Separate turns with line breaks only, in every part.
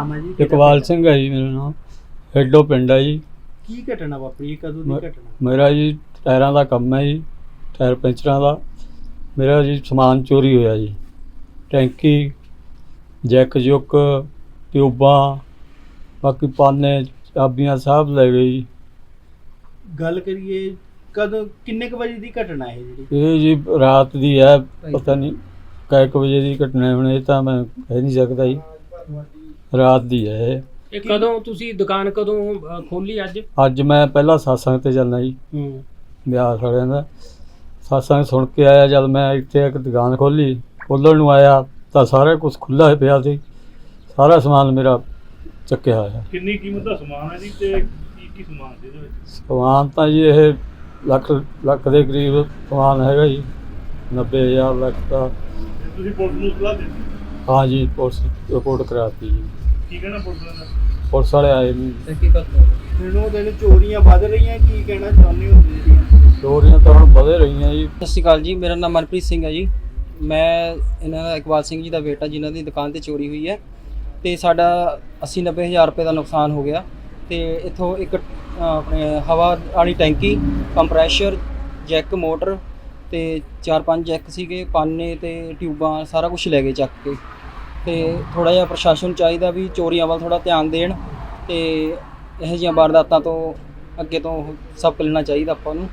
ਨਾਮ ਹੈ ਜੀ?
ਇਕਬਾਲ ਸਿੰਘ ਹੈ ਜੀ ਮੇਰਾ ਨਾਮ। ਹੈਡੋ ਪਿੰਡ ਹੈ ਜੀ।
ਕੀ ਘਟਨਾ ਵਾਪਰੀ, ਕਦੋਂ ਦੀ ਘਟਨਾ?
ਮੇਰਾ ਜੀ ਟਾਇਰਾਂ ਦਾ ਕੰਮ ਹੈ ਜੀ, ਟਾਇਰ ਪੈਂਚਰਾਂ ਦਾ। ਮੇਰਾ ਜੀ ਸਮਾਨ ਚੋਰੀ ਹੋਇਆ ਜੀ, ਟੈਂਕੀ, ਜੈਕ ਜੁੱਕ, ਟਿਊਬਾਂ, ਬਾਕੀ ਪਾਨੇ, ਚਾਬੀਆਂ ਸਭ ਲੈ ਗਏ ਜੀ।
ਗੱਲ ਕਰੀਏ ਕਦੋਂ, ਕਿੰਨੇ ਕੁ ਵਜੇ ਦੀ ਘਟਨਾ ਹੈ ਜਿਹੜੀ?
ਇਹ ਜੀ ਰਾਤ ਦੀ ਹੈ, ਪਤਾ ਨਹੀਂ ਕੈ ਕੁ ਵਜੇ ਦੀ ਘਟਨਾ ਹੈ, ਹੁਣ ਇਹ ਤਾਂ ਮੈਂ ਕਹਿ ਨਹੀਂ ਸਕਦਾ ਜੀ। ਰਾਤ ਦੀ ਹੈ ਇਹ।
ਇਹ ਕਦੋਂ ਤੁਸੀਂ ਦੁਕਾਨ ਕਦੋਂ ਖੋਲੀ?
ਅੱਜ ਮੈਂ ਪਹਿਲਾਂ ਸਤਸੰਗ ਤੇ ਜਾਂਦਾ ਜੀ, ਬਿਆਸ ਵਾਲਿਆਂ ਦਾ ਸਤਸੰਗ ਸੁਣ ਕੇ ਆਇਆ। ਜਦ ਮੈਂ ਇੱਥੇ ਇੱਕ ਦੁਕਾਨ ਖੋਲ੍ਹਣ ਨੂੰ ਆਇਆ ਤਾਂ ਸਾਰਾ ਕੁਝ ਖੁੱਲ੍ਹਾ ਪਿਆ ਸੀ, ਸਾਰਾ ਸਮਾਨ ਮੇਰਾ ਚੱਕਿਆ ਹੋਇਆ।
ਕਿੰਨੀ ਕੀਮਤ ਦਾ ਸਮਾਨ ਹੈ ਜੀ ਤੇ ਕੀ ਸਮਾਨ ਸੀ ਇਹਦੇ ਵਿੱਚ?
ਸਮਾਨ ਤਾਂ ਜੀ ਇਹ ਲੱਖ ਦੇ ਕਰੀਬ ਸਮਾਨ ਹੈਗਾ ਜੀ, 90,000 ਲੱਖ ਦਾ।
ਤੁਸੀਂ ਪੁਲਿਸ ਨੂੰ ਸਲਾਹ ਦਿੱਤੀ?
ਹਾਂ ਜੀ, ਪੁਲਿਸ ਰਿਪੋਰਟ ਕਰਾਤੀ ਜੀ।
ਕੀ ਕਹਿਣਾ ਪੁਲਿਸ ਦਾ?
ਪੁਲਿਸ ਵਾਲੇ ਆਏ ਨਹੀਂ।
ਦਿਨੋਂ ਦਿਨ ਚੋਰੀਆਂ ਵੱਧ ਰਹੀਆਂ, ਕੀ ਕਹਿਣਾ ਚਾਹੁੰਦੇ ਹੋ ਜਿਹੜੀਆਂ
ਚੋਰੀਆਂ ਤਾਂ ਹੁਣ ਵਧੇ ਰਹੀਆਂ ਜੀ।
ਸਤਿ ਸ਼੍ਰੀ ਅਕਾਲ ਜੀ, ਮੇਰਾ ਨਾਮ ਮਨਪ੍ਰੀਤ ਸਿੰਘ ਹੈ ਜੀ। ਮੈਂ ਇਹਨਾਂ ਦਾ ਇਕਬਾਲ ਸਿੰਘ ਜੀ ਦਾ ਬੇਟਾ, ਜਿਨ੍ਹਾਂ ਦੀ ਦੁਕਾਨ ਤੇ ਚੋਰੀ ਹੋਈ ਹੈ ਤੇ ਸਾਡਾ 80-90 ਹਜ਼ਾਰ ਰੁਪਏ ਦਾ ਨੁਕਸਾਨ ਹੋ ਗਿਆ। ਤੇ ਇੱਥੋਂ ਇੱਕ ਆਪਣੇ ਹਵਾ ਵਾਲੀ ਟੈਂਕੀ, ਕੰਪਰੈਸ਼ਰ, ਜੈਕ ਮੋਟਰ ਤੇ 4-5 ਜੈਕ ਸੀਗੇ, ਪਾਨੇ ਤੇ ਟਿਊਬਾਂ, ਸਾਰਾ ਕੁਝ ਲੈ ਗਏ ਚੱਕ ਕੇ। ਤੇ ਥੋੜ੍ਹਾ ਜਿਹਾ ਪ੍ਰਸ਼ਾਸਨ ਚਾਹੀਦਾ ਵੀ ਚੋਰੀਆਂ ਵੱਲ ਥੋੜ੍ਹਾ ਧਿਆਨ ਦੇਣ ਤੇ ਇਹੋ ਜਿਹੀਆਂ ਵਾਰਦਾਤਾਂ ਤੋਂ ਅੱਗੇ ਤੋਂ ਸਬਕ ਲੈਣਾ ਚਾਹੀਦਾ ਆਪਾਂ ਨੂੰ।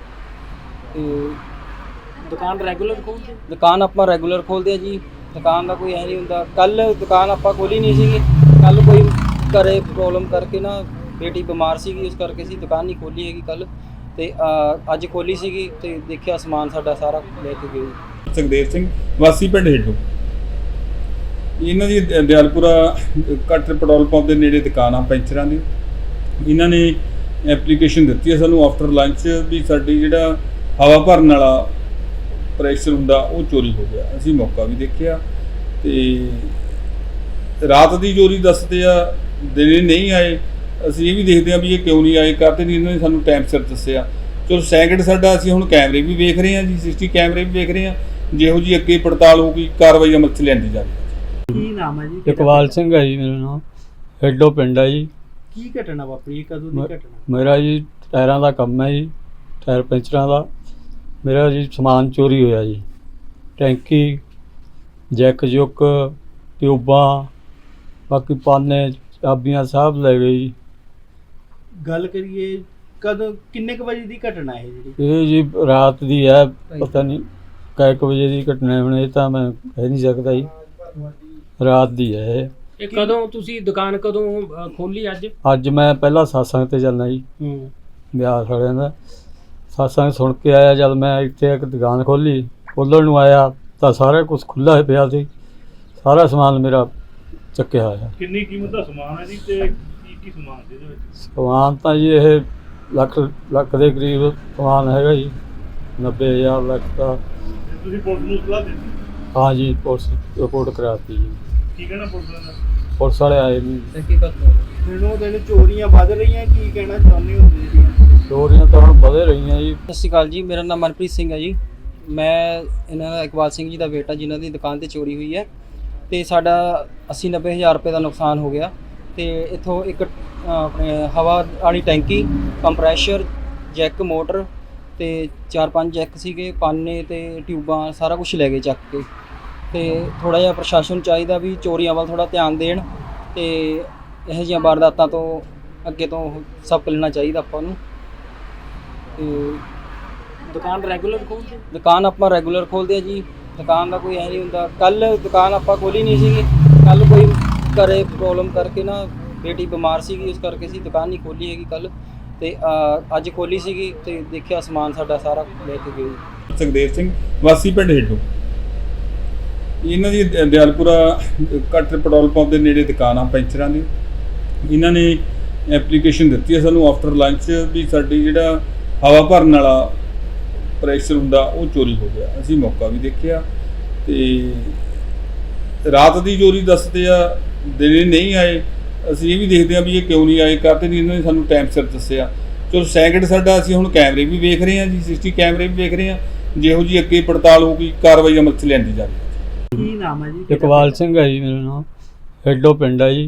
ਤੇ
ਦੁਕਾਨ ਰੈਗੂਲਰ ਖੋਲ੍ਹਦੇ?
ਦੁਕਾਨ ਆਪਾਂ ਰੈਗੂਲਰ ਖੋਲ੍ਹਦੇ ਆ ਜੀ, ਦੁਕਾਨ ਦਾ ਕੋਈ ਐ ਨਹੀਂ ਹੁੰਦਾ। ਕੱਲ੍ਹ ਦੁਕਾਨ ਆਪਾਂ ਖੋਲ੍ਹੀ ਨਹੀਂ ਸੀਗੀ, ਕੱਲ੍ਹ ਕੋਈ ਘਰੇ ਪ੍ਰੋਬਲਮ ਕਰਕੇ ਨਾ ਬੇਟੀ ਬਿਮਾਰ ਸੀਗੀ, ਉਸ ਕਰਕੇ ਅਸੀਂ ਦੁਕਾਨ ਨਹੀਂ ਖੋਲ੍ਹੀ ਹੈਗੀ ਕੱਲ੍ਹ। ਤੇ ਅੱਜ ਖੋਲ੍ਹੀ ਸੀਗੀ ਤੇ ਦੇਖਿਆ ਸਮਾਨ ਸਾਡਾ ਸਾਰਾ ਲੈ ਕੇ ਗਏ।
ਸੁਖਦੇਵ ਸਿੰਘ ਵਾਸੀ ਪਿੰਡ ਹੇਡੂ। ਇਹਨਾਂ ਦੀ ਦਿਆਲਪੁਰਾ ਕੱਟ ਪੈਟਰੋਲ ਪੰਪ ਦੇ ਨੇੜੇ ਦੁਕਾਨ ਆ ਪੈਂਚਰਾਂ ਦੀ। ਇਹਨਾਂ ਨੇ ਐਪਲੀਕੇਸ਼ਨ ਦਿੱਤੀ ਹੈ ਸਾਨੂੰ ਆਫਟਰ ਲੰਚ ਵੀ ਸਾਡੀ ਜਿਹੜਾ ਹਵਾ ਭਰਨ ਵਾਲਾ ਪ੍ਰੈਸ਼ਰ ਹੁੰਦਾ ਉਹ ਚੋਰੀ ਹੋ ਗਿਆ। ਅਸੀਂ ਮੌਕਾ ਵੀ ਦੇਖਿਆ ਤੇ ਰਾਤ ਦੀ ਚੋਰੀ ਦੱਸਦੇ ਆ, ਦਿਨੇ ਨਹੀਂ ਆਏ। ਅਸੀਂ ਇਹ ਵੀ ਦੇਖਦੇ ਹਾਂ ਵੀ ਇਹ ਕਿਉਂ ਨਹੀਂ ਆਏ, ਕਰਦੇ ਨਹੀਂ। ਇਹਨਾਂ ਨੇ ਸਾਨੂੰ ਟਾਈਮ ਸਿਰ ਦੱਸਿਆ। ਚਲੋ ਸੈਕਿੰਡ ਸਾਡਾ, ਅਸੀਂ ਹੁਣ ਕੈਮਰੇ ਵੀ ਵੇਖ ਰਹੇ ਹਾਂ ਜੀ, CCTV ਕੈਮਰੇ ਵੀ ਵੇਖ ਰਹੇ ਹਾਂ। ਜਿਹੋ ਜਿਹੀ ਅੱਗੇ ਪੜਤਾਲ ਹੋਊਗੀ, ਕਾਰਵਾਈ ਅਮਲ 'ਚ ਲਿਆਂਦੀ ਜਾਵੇ।
ਕੀ ਨਾਮ ਹੈ ਜੀ?
ਇਕਬਾਲ ਸਿੰਘ ਹੈ ਜੀ ਮੇਰਾ ਨਾਮ। ਹੈਡੋ ਪਿੰਡ ਹੈ ਜੀ।
ਕੀ ਘਟਨਾ ਵਾਪਰੀ, ਕਦੋਂ ਦੀ ਘਟਨਾ?
ਮੇਰਾ ਜੀ ਟਾਇਰਾਂ ਦਾ ਕੰਮ ਹੈ ਜੀ, ਟਾਇਰ ਪੈਂਚਰਾਂ ਦਾ। ਮੇਰਾ ਜੀ ਸਮਾਨ ਚੋਰੀ ਹੋਇਆ ਜੀ, ਟੈਂਕੀ, ਜੈਕ ਜੁੱਕ, ਟਿਊਬਾਂ, ਬਾਕੀ ਪਾਨੇ, ਚਾਬੀਆਂ ਸਭ ਲੈ ਗਏ ਜੀ।
ਗੱਲ ਕਰੀਏ ਕਦੋਂ, ਕਿੰਨੇ ਕੁ ਵਜੇ ਦੀ ਘਟਨਾ ਹੈ ਜਿਹੜੀ?
ਇਹ ਜੀ ਰਾਤ ਦੀ ਹੈ, ਪਤਾ ਨਹੀਂ ਕੈ ਕੁ ਵਜੇ ਦੀ ਘਟਨਾ ਹੈ, ਹੁਣ ਇਹ ਤਾਂ ਮੈਂ ਕਹਿ ਨਹੀਂ ਸਕਦਾ ਜੀ। ਰਾਤ ਦੀ ਹੈ ਇਹ।
ਇਹ ਕਦੋਂ ਤੁਸੀਂ ਦੁਕਾਨ ਕਦੋਂ ਖੋਲੀ?
ਅੱਜ ਮੈਂ ਪਹਿਲਾਂ ਸਤਸੰਗ ਤੇ ਜਾਂਦਾ ਜੀ, ਬਿਆਸ ਵਾਲਿਆਂ ਦਾ ਸਤਸੰਗ ਸੁਣ ਕੇ ਆਇਆ। ਜਦ ਮੈਂ ਇੱਥੇ ਇੱਕ ਦੁਕਾਨ ਖੋਲ੍ਹਣ ਨੂੰ ਆਇਆ ਤਾਂ ਸਾਰਾ ਕੁਝ ਖੁੱਲ੍ਹਾ ਪਿਆ ਸੀ, ਸਾਰਾ ਸਮਾਨ ਮੇਰਾ ਚੱਕਿਆ ਹੋਇਆ।
ਕਿੰਨੀ ਕੀਮਤ ਦਾ ਸਮਾਨ ਹੈ ਜੀ ਤੇ ਕੀ ਸਮਾਨ ਸੀ ਇਹਦੇ ਵਿੱਚ?
ਸਮਾਨ ਤਾਂ ਜੀ ਇਹ ਲੱਖ ਦੇ ਕਰੀਬ ਸਮਾਨ ਹੈਗਾ ਜੀ, 90,000 ਲੱਖ ਦਾ।
ਤੁਸੀਂ ਪੁਲਿਸ ਨੂੰ ਸਲਾਹ ਦਿੱਤੀ?
ਹਾਂ ਜੀ, ਪੁਲਿਸ ਰਿਪੋਰਟ ਕਰਾਤੀ ਜੀ।
ਕੀ ਕਹਿਣਾ ਪੁਲਿਸ ਦਾ?
ਪੁਲਿਸ ਵਾਲੇ ਆਏ ਨਹੀਂ।
ਦਿਨੋਂ ਦਿਨ ਚੋਰੀਆਂ ਵੱਧ ਰਹੀਆਂ, ਕੀ ਕਹਿਣਾ ਚਾਹੁੰਦੇ ਹੋ ਜਿਹੜੀਆਂ
ਚੋਰੀਆਂ ਤਾਂ ਹੁਣ ਵਧੇ ਰਹੀਆਂ ਜੀ।
ਸਤਿ ਸ਼੍ਰੀ ਅਕਾਲ ਜੀ, ਮੇਰਾ ਨਾਮ ਮਨਪ੍ਰੀਤ ਸਿੰਘ ਹੈ ਜੀ। ਮੈਂ ਇਹਨਾਂ ਦਾ ਇਕਬਾਲ ਸਿੰਘ ਜੀ ਦਾ ਬੇਟਾ, ਜਿਨ੍ਹਾਂ ਦੀ ਦੁਕਾਨ ਤੇ ਚੋਰੀ ਹੋਈ ਹੈ ਤੇ ਸਾਡਾ 80-90 ਹਜ਼ਾਰ ਰੁਪਏ ਦਾ ਨੁਕਸਾਨ ਹੋ ਗਿਆ। ਤੇ ਇੱਥੋਂ ਇੱਕ ਆਪਣੇ ਹਵਾ ਵਾਲੀ ਟੈਂਕੀ, ਕੰਪਰੈਸ਼ਰ, ਜੈਕ ਮੋਟਰ ਤੇ 4-5 ਜੈਕ ਸੀਗੇ, ਪਾਨੇ ਤੇ ਟਿਊਬਾਂ, ਸਾਰਾ ਕੁਝ ਲੈ ਗਏ ਚੱਕ ਕੇ। ਤੇ ਥੋੜ੍ਹਾ ਜਿਹਾ ਪ੍ਰਸ਼ਾਸਨ ਚਾਹੀਦਾ ਵੀ ਚੋਰੀਆਂ ਵੱਲ ਥੋੜ੍ਹਾ ਧਿਆਨ ਦੇਣ ਤੇ ਇਹੋ ਜਿਹੀਆਂ ਵਾਰਦਾਤਾਂ ਤੋਂ ਅੱਗੇ ਤੋਂ ਸਬਕ ਲੈਣਾ ਚਾਹੀਦਾ ਆਪਾਂ ਨੂੰ। ਤੇ
ਦੁਕਾਨ ਰੈਗੂਲਰ ਖੋਲ੍ਹਦੇ?
ਦੁਕਾਨ ਆਪਾਂ ਰੈਗੂਲਰ ਖੋਲ੍ਹਦੇ ਆ ਜੀ, ਦੁਕਾਨ ਦਾ ਕੋਈ ਐ ਨਹੀਂ ਹੁੰਦਾ। ਕੱਲ੍ਹ ਦੁਕਾਨ ਆਪਾਂ ਖੋਲ੍ਹੀ ਨਹੀਂ ਸੀਗੀ, ਕੱਲ੍ਹ ਕੋਈ ਘਰੇ ਪ੍ਰੋਬਲਮ ਕਰਕੇ ਨਾ ਬੇਟੀ ਬਿਮਾਰ ਸੀਗੀ, ਉਸ ਕਰਕੇ ਅਸੀਂ ਦੁਕਾਨ ਨਹੀਂ ਖੋਲ੍ਹੀ ਹੈਗੀ ਕੱਲ੍ਹ। ਤੇ ਅੱਜ ਖੋਲ੍ਹੀ ਸੀਗੀ ਤੇ ਦੇਖਿਆ ਸਮਾਨ ਸਾਡਾ ਸਾਰਾ ਲੈ ਕੇ ਗਏ।
ਸੁਖਦੇਵ ਸਿੰਘ ਵਾਸੀ ਪਿੰਡ ਹੇਡੂ। ਇਹਨਾਂ ਦੀ ਦਿਆਲਪੁਰਾ ਕੱਟ ਪੈਟਰੋਲ ਪੰਪ ਦੇ ਨੇੜੇ ਦੁਕਾਨ ਆ ਪੈਂਚਰਾਂ ਦੀ। ਇਹਨਾਂ ਨੇ ਐਪਲੀਕੇਸ਼ਨ ਦਿੱਤੀ ਹੈ ਸਾਨੂੰ ਆਫਟਰ ਲੰਚ ਵੀ ਸਾਡੀ ਜਿਹੜਾ ਹਵਾ ਭਰਨ ਵਾਲਾ ਪ੍ਰੈਸ਼ਰ ਹੁੰਦਾ ਉਹ ਚੋਰੀ ਹੋ ਗਿਆ। ਅਸੀਂ ਮੌਕਾ ਵੀ ਦੇਖਿਆ ਤੇ ਰਾਤ ਦੀ ਚੋਰੀ ਦੱਸਦੇ ਆ, ਦਿਨੇ ਨਹੀਂ ਆਏ। ਅਸੀਂ ਇਹ ਵੀ ਦੇਖਦੇ ਹਾਂ ਵੀ ਇਹ ਕਿਉਂ ਨਹੀਂ ਆਏ, ਕਰਦੇ ਨਹੀਂ। ਇਹਨਾਂ ਨੇ ਸਾਨੂੰ ਟਾਈਮ ਸਿਰ ਦੱਸਿਆ। ਚਲੋ ਸੈਕਿੰਡ ਸਾਡਾ, ਅਸੀਂ ਹੁਣ ਕੈਮਰੇ ਵੀ ਵੇਖ ਰਹੇ ਹਾਂ ਜੀ, CCTV ਕੈਮਰੇ ਵੀ ਵੇਖ ਰਹੇ ਹਾਂ। ਜਿਹੋ ਜਿਹੀ ਅੱਗੇ ਪੜਤਾਲ ਹੋਊਗੀ, ਕਾਰਵਾਈ ਅਮਲ 'ਚ ਲਿਆਂਦੀ ਜਾਵੇ।
ਕੀ ਨਾਮ ਹੈ ਜੀ?
ਇਕਬਾਲ ਸਿੰਘ ਹੈ ਜੀ ਮੇਰਾ ਨਾਮ। ਹੈਡੋ ਪਿੰਡ ਹੈ ਜੀ।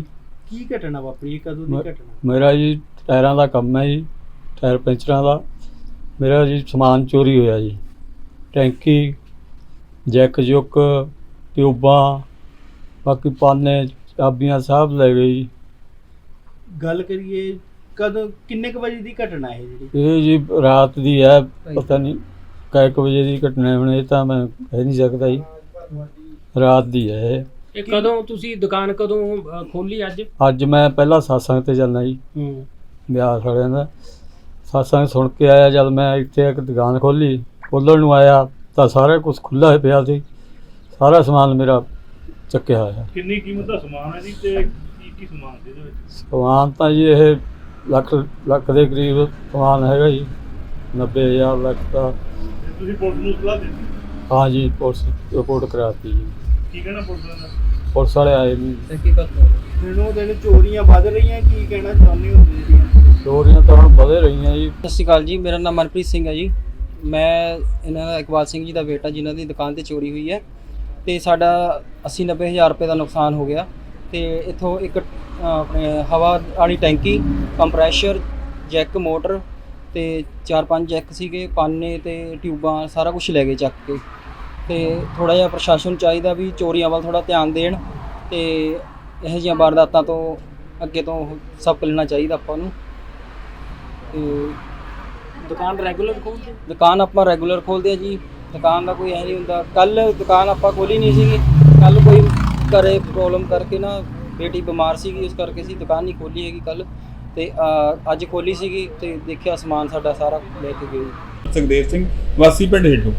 ਕੀ ਘਟਨਾ ਵਾਪਰੀ, ਕਦੋਂ ਦੀ
ਮੈਂ-
ਘਟਨਾ?
ਮੇਰਾ ਜੀ ਟਾਇਰਾਂ ਦਾ ਕੰਮ ਹੈ ਜੀ, ਟਾਇਰ ਪੈਂਚਰਾਂ ਦਾ। ਮੇਰਾ ਜੀ ਸਮਾਨ ਚੋਰੀ ਹੋਇਆ ਜੀ, ਟੈਂਕੀ, ਜੈਕ ਜੁੱਕ, ਟਿਊਬਾਂ, ਬਾਕੀ ਪਾਨੇ, ਚਾਬੀਆਂ ਸਭ ਲੈ ਗਏ ਜੀ।
ਗੱਲ ਕਰੀਏ ਕਦੋਂ ਕਿੰਨੇ ਕੁ ਵਜੇ ਦੀ ਘਟਨਾ ਹੈ ਜਿਹੜੀ?
ਇਹ ਜੀ ਰਾਤ ਦੀ ਹੈ, ਪਤਾ ਨਹੀਂ ਕਿੰਨੇ ਕੁ ਵਜੇ ਦੀ ਘਟਨਾ ਹੈ, ਹੁਣ ਇਹ ਤਾਂ ਮੈਂ ਕਹਿ ਨਹੀਂ ਸਕਦਾ ਜੀ। ਰਾਤ ਦੀ ਹੈ ਇਹ।
ਇਹ ਕਦੋਂ ਤੁਸੀਂ ਦੁਕਾਨ ਕਦੋਂ ਖੋਲੀ ਅੱਜ?
ਅੱਜ ਮੈਂ ਪਹਿਲਾਂ satsang ਤੇ ਜਾਂਦਾ ਜੀ,
ਹੂੰ।
ਵਿਆਹ ਸਾਲਿਆਂ ਦਾ satsang ਸੁਣ ਕੇ ਆਇਆ। ਜਦ ਮੈਂ ਇੱਥੇ ਇੱਕ ਦੁਕਾਨ ਖੋਲ੍ਹਣ ਨੂੰ ਆਇਆ ਤਾਂ ਸਾਰਾ ਕੁਝ ਖੁੱਲ੍ਹਾ ਪਿਆ ਸੀ, ਸਾਰਾ ਸਮਾਨ ਮੇਰਾ ਚੱਕਿਆ ਹੋਇਆ।
ਕਿੰਨੀ ਕੀਮਤ ਦਾ ਸਮਾਨ ਹੈ ਜੀ ਤੇ ਕੀ ਸਮਾਨ ਸੀ ਇਹਦੇ ਵਿੱਚ?
ਸਮਾਨ ਤਾਂ ਜੀ ਇਹ ਲੱਖ ਦੇ ਕਰੀਬ ਸਮਾਨ ਹੈਗਾ ਜੀ, 90,000 ਲੱਖ ਦਾ।
ਤੇ ਤੁਸੀਂ ਪੁਲਿਸ ਨੂੰ ਸਲਾਹ ਦਿੱਤੀ?
ਹਾਂ ਜੀ, ਪੁਲਿਸ ਰਿਪੋਰਟ ਕਰਾਤੀ ਜੀ।
ਕੀ ਕਹਿਣਾ ਪੁਲਿਸ ਦਾ?
ਪੁਲਿਸ ਵਾਲੇ ਆਏ ਨਹੀਂ।
ਦਿਨੋਂ ਦਿਨ ਚੋਰੀਆਂ ਵੱਧ ਰਹੀਆਂ, ਕੀ ਕਹਿਣਾ ਚਾਹੁੰਦੇ ਹੋ ਜਿਹੜੀਆਂ?
ਚੋਰੀਆਂ ਤਾਂ ਹੁਣ ਵਧੇ ਰਹੀਆਂ ਜੀ।
ਸਤਿ ਸ਼੍ਰੀ ਅਕਾਲ ਜੀ, ਮੇਰਾ ਨਾਮ ਮਨਪ੍ਰੀਤ ਸਿੰਘ ਹੈ ਜੀ। ਮੈਂ ਇਹਨਾਂ ਦਾ ਇਕਬਾਲ ਸਿੰਘ ਜੀ ਦਾ ਬੇਟਾ, ਜਿਨ੍ਹਾਂ ਦੀ ਦੁਕਾਨ ਤੇ ਚੋਰੀ ਹੋਈ ਹੈ ਤੇ ਸਾਡਾ 80-90 ਹਜ਼ਾਰ ਰੁਪਏ ਦਾ ਨੁਕਸਾਨ ਹੋ ਗਿਆ। ਤੇ ਇੱਥੋਂ ਇੱਕ ਆਪਣੇ ਹਵਾ ਵਾਲੀ ਟੈਂਕੀ, ਕੰਪਰੈਸ਼ਰ, ਜੈਕ, ਮੋਟਰ ਤੇ 4-5 ਜੈਕ ਸੀਗੇ, ਪਾਨੇ ਤੇ ਟਿਊਬਾਂ, ਸਾਰਾ ਕੁਝ ਲੈ ਗਏ ਚੱਕ ਕੇ। ਤੇ ਥੋੜਾ ਜਿਹਾ ਪ੍ਰਸ਼ਾਸਨ ਨੂੰ ਚਾਹੀਦਾ ਵੀ ਚੋਰੀਆਂ ਵੱਲ ਥੋੜਾ ਧਿਆਨ ਦੇਣ ਤੇ ਇਹੋ ਜਿਹੀਆਂ ਵਾਰਦਾਤਾਂ ਤੋਂ ਅੱਗੇ ਤੋਂ ਸਬਕ ਲੈਣਾ ਚਾਹੀਦਾ ਆਪਾਂ ਨੂੰ। ਤੇ
ਦੁਕਾਨ ਰੈਗੂਲਰ ਖੋਲਦੇ?
ਦੁਕਾਨ ਆਪਾਂ ਰੈਗੂਲਰ ਖੋਲ੍ਹਦੇ ਆ ਜੀ, ਦੁਕਾਨ ਦਾ ਕੋਈ ਐ ਨਹੀਂ ਹੁੰਦਾ। ਕੱਲ ਦੁਕਾਨ ਆਪਾਂ ਖੋਲ੍ਹੀ ਨਹੀਂ ਸੀਗੀ, ਕੱਲ ਕੋਈ ਘਰੇ ਪ੍ਰੋਬਲਮ ਕਰਕੇ ਨਾ ਬੇਟੀ ਬਿਮਾਰ ਸੀਗੀ, ਉਸ ਕਰਕੇ ਅਸੀਂ ਦੁਕਾਨ ਨਹੀਂ ਖੋਲ੍ਹੀ ਹੈਗੀ ਕੱਲ। ਤੇ ਅੱਜ ਖੋਲ੍ਹੀ ਸੀਗੀ ਤੇ ਦੇਖਿਆ ਸਮਾਨ ਸਾਡਾ ਸਾਰਾ ਲੈ ਕੇ ਗਏ।
ਸੁਖਦੇਵ ਸਿੰਘ, ਵਾਸੀ ਪਿੰਡ ਹੇਠੋਂ।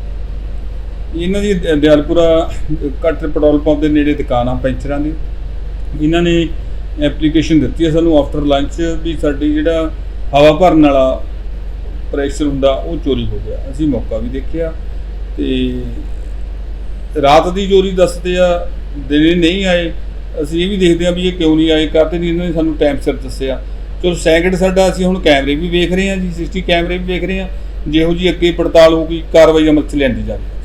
ਇਹਨਾਂ ਦੀ ਦਿਆਲਪੁਰਾ ਕੱਟ ਪੈਟਰੋਲ ਪੰਪ ਦੇ ਨੇੜੇ ਦੁਕਾਨ ਆ ਪੈਂਚਰਾਂ ਦੀ। ਇਹਨਾਂ ਨੇ ਐਪਲੀਕੇਸ਼ਨ ਦਿੱਤੀ ਹੈ ਸਾਨੂੰ ਆਫਟਰ ਲੰਚ ਵੀ ਸਾਡੀ ਜਿਹੜਾ ਹਵਾ ਭਰਨ ਵਾਲਾ ਪ੍ਰੈਸ਼ਰ ਹੁੰਦਾ ਉਹ ਚੋਰੀ ਹੋ ਗਿਆ। ਅਸੀਂ ਮੌਕਾ ਵੀ ਦੇਖਿਆ ਤੇ ਰਾਤ ਦੀ ਚੋਰੀ ਦੱਸਦੇ ਆ, ਦਿਨੇ ਨਹੀਂ ਆਏ। ਅਸੀਂ ਇਹ ਵੀ ਦੇਖਦੇ ਆ ਵੀ ਇਹ ਕਿਉਂ ਨਹੀਂ ਆਏ, ਕਾਹਤੇ ਨਹੀਂ ਇਹਨਾਂ ਨੇ ਸਾਨੂੰ ਟਾਈਮ ਸਿਰ ਦੱਸਿਆ। ਚਲੋ ਸੈਕਿੰਡ ਸਾਡਾ, ਅਸੀਂ ਹੁਣ ਕੈਮਰੇ ਵੀ ਵੇਖ ਰਹੇ ਹਾਂ ਜੀ, 60 ਕੈਮਰੇ ਵੀ ਵੇਖ ਰਹੇ ਹਾਂ। ਜਿਹੋ ਜੀ ਅੱਗੇ ਪੜਤਾਲ ਹੋਊਗੀ, ਕਾਰਵਾਈ ਅਮਲ 'ਚ ਲਿਆਂਦੀ ਜਾਵੇ।